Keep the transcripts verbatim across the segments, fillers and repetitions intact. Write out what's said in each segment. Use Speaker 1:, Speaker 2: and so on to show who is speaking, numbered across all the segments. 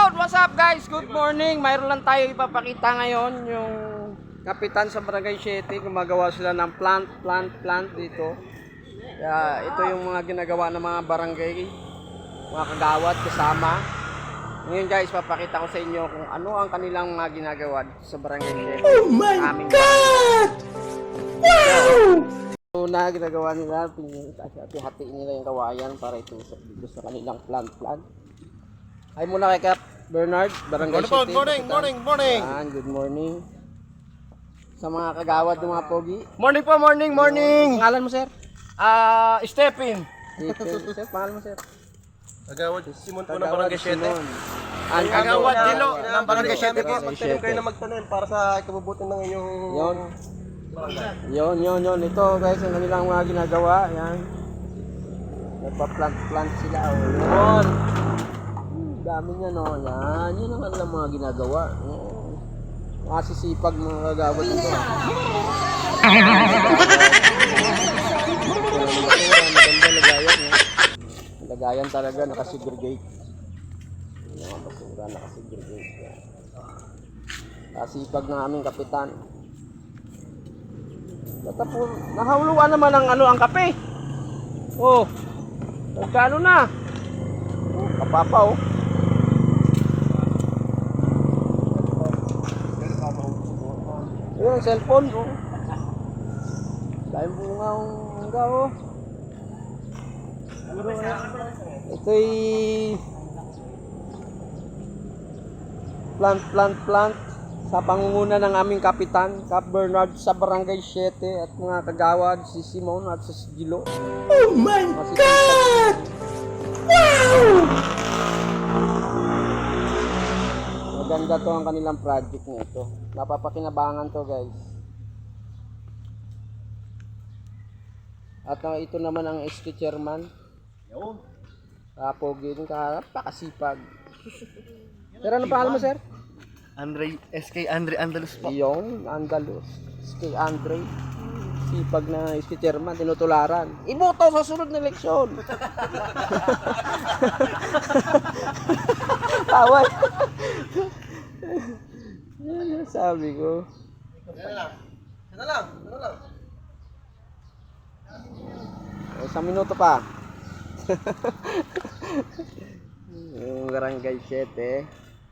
Speaker 1: Shoutout! What's up guys? Good morning! Mayroon lang tayo ipapakita ngayon yung kapitan sa Barangay Siete. Gumagawa sila ng plant, plant, plant dito. Kaya ito yung mga ginagawa ng mga barangay, mga kagawad kasama. Ngayon guys, papakita ko sa inyo kung ano ang kanilang mga ginagawa sa Barangay Siete.
Speaker 2: Oh my God! Wow!
Speaker 1: Una, ginagawa nila, hati-hati nila yung kawayan para itusok dito sa kanilang plant, plant. Ay muna kay Cap Bernard, Barangay
Speaker 2: Good
Speaker 1: Siete.
Speaker 2: morning, morning, morning.
Speaker 1: Yan, good morning. Sa mga kagawad ng mga pogi.
Speaker 2: Morning po, morning, morning.
Speaker 1: Pangalan mo, sir?
Speaker 2: Ah, Stephen.
Speaker 1: Stephen. Sir, pangalan mo, sir?
Speaker 2: Kagawad Simon po ng
Speaker 1: Kagawad
Speaker 2: Barangay Siete.
Speaker 1: Simon. Ang
Speaker 2: Kagawad Dilo
Speaker 1: Dilo
Speaker 2: ng Barangay Siete po.
Speaker 1: Barangay
Speaker 2: Magtanim kayo
Speaker 1: Siete.
Speaker 2: na magtanim para sa ikabubuti ng inyong
Speaker 1: Yon. Yon, yon, yon. Ito guys, ang kanilang mga ginagawa. Yan. Nagpa-plant-plant sila. Oh. Yon. Dami niya, no? Yan. Yan ang kanilang mga ginagawa. Oh. Masisipag mga kagawad nito. Maganda lagayan. Eh. Lagayan talaga, nakasegregate. Yung mga basura, nakasegregate. Kasipag ng aming kapitan. Natapos, nahuluan naman ang ano ang kape. Oh. Magkano na? Oh, kapapa oh. Yung cellphone oh. Dahil bunga ang nga oh. Ito'y plant, plant, plant sa pangunguna ng aming kapitan, Cap Bernard sa Barangay Siete at mga kagawad, si Simon at si Gilo.
Speaker 2: Oh my God! Wow!
Speaker 1: Maganda to ang kanilang project nito. Napapakinabangan to guys. At uh, ito naman ang S K chairman.
Speaker 2: Yun.
Speaker 1: Kapogi din ka, pakasipag. Sir, ano pangalan mo, sir?
Speaker 2: Andre, S K Andre Andalus po.
Speaker 1: Yung Andalus. S K Andre. Sipag na S K chairman, tinutularan. Iboto sa sunod na eleksyon. Tawad. Yan sabi ko.
Speaker 2: Sana lang. Sana lang. Sana lang.
Speaker 1: O, isang minuto pa. Yung Barangay Siete.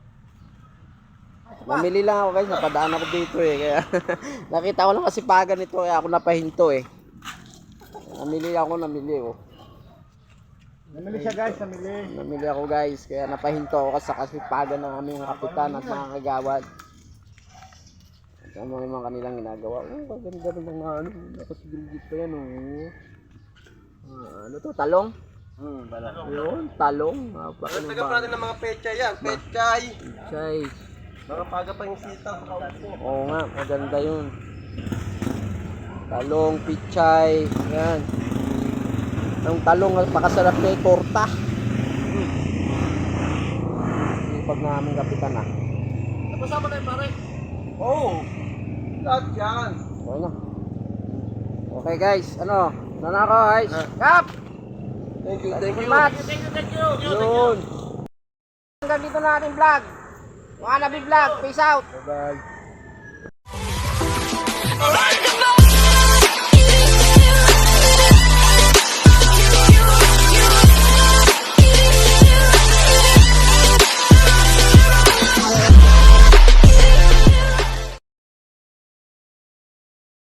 Speaker 1: Namili lang ako guys, napadaan ako dito eh. Kaya nakita ko lang kasipagan nito kaya ako napahinto eh. Namili ako, namili oh.
Speaker 2: Namili siya guys, namili.
Speaker 1: Namili ako guys, kaya napahinto ako sa kasipagan ng aming kapitan at mga kagawad. At ano naman kanilang ginagawa. Oh, maganda ng mga ano, nakasigilgit pa yan oh. Ah, ano to, talong?
Speaker 2: Hmm, bala.
Speaker 1: Yun, talong.
Speaker 2: Nagtaga pa natin ng mga pechay yan. Pechay.
Speaker 1: Chay.
Speaker 2: Mga paga pa yung sitaw.
Speaker 1: Oo nga, maganda yun. Talong, pichay, yan. Ang talong, pakasarap na yung torta. Sipag na aming kapitan ah.
Speaker 2: Napasama na yung pare. Oo. Oh, lahat yan.
Speaker 1: Okay na. Okay guys, ano? Nana ako guys. Kap!
Speaker 2: Thank you, thank you.
Speaker 1: Much.
Speaker 2: Thank you, thank you.
Speaker 1: Yun. Hanggang dito na ating vlog. Mga nabi vlog. Peace out.
Speaker 2: Bye-bye.
Speaker 3: Alright.